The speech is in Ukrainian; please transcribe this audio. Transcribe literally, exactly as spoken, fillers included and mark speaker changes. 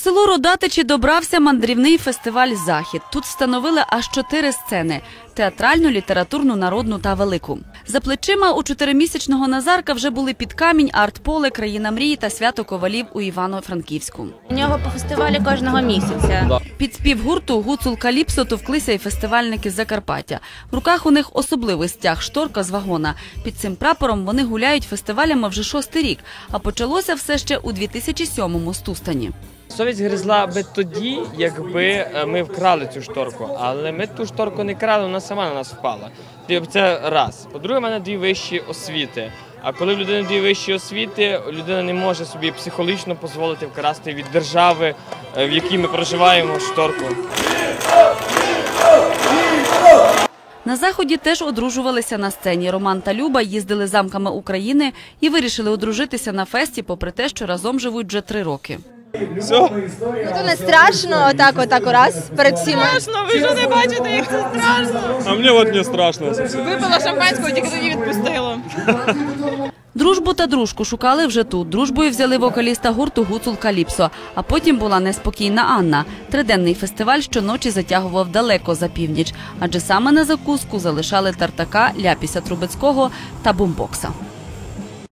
Speaker 1: У село Родатичі добрався мандрівний фестиваль «Захід». Тут встановили аж чотири сцени – театральну, літературну, народну та велику. За плечима у чотиримісячного Назарка вже були «Під камінь», «Арт-поле», «Країна мрії» та «Свято ковалів» у Івано-Франківську.
Speaker 2: У нього по фестивалі кожного місяця.
Speaker 1: Під спів гурту «Гуцул Каліпсо» товклися і фестивальники з Закарпаття. В руках у них особливий стяг – шторка з вагона. Під цим прапором вони гуляють фестивалями вже шостий рік, а почалося все ще у дві тисячі сьомому з Тустані.
Speaker 3: Совість гризла би тоді, якби ми вкрали цю шторку, але ми ту шторку не крали, вона сама на нас впала. Це раз. По-друге, в мене дві вищі освіти. А коли в людини дві вищі освіти, людина не може собі психологічно дозволити вкрасти від держави, в якій ми проживаємо, шторку.
Speaker 1: На Заході теж одружувалися на сцені. Роман та Люба їздили замками України і вирішили одружитися на фесті, попри те, що разом живуть вже три роки.
Speaker 4: Ну, то не страшно, отак, отак раз, перед всіма.
Speaker 5: Страшно, ви ж не бачите, як це страшно.
Speaker 6: А мені от не страшно.
Speaker 5: Випила шампанського, тільки тоді відпустила.
Speaker 1: Дружбу та дружку шукали вже тут. Дружбою взяли вокаліста гурту «Гуцул Каліпсо», а потім була неспокійна Анна. Триденний фестиваль щоночі затягував далеко за північ, адже саме на закуску залишали Тартака, Ляпіся Трубецького та бумбокса.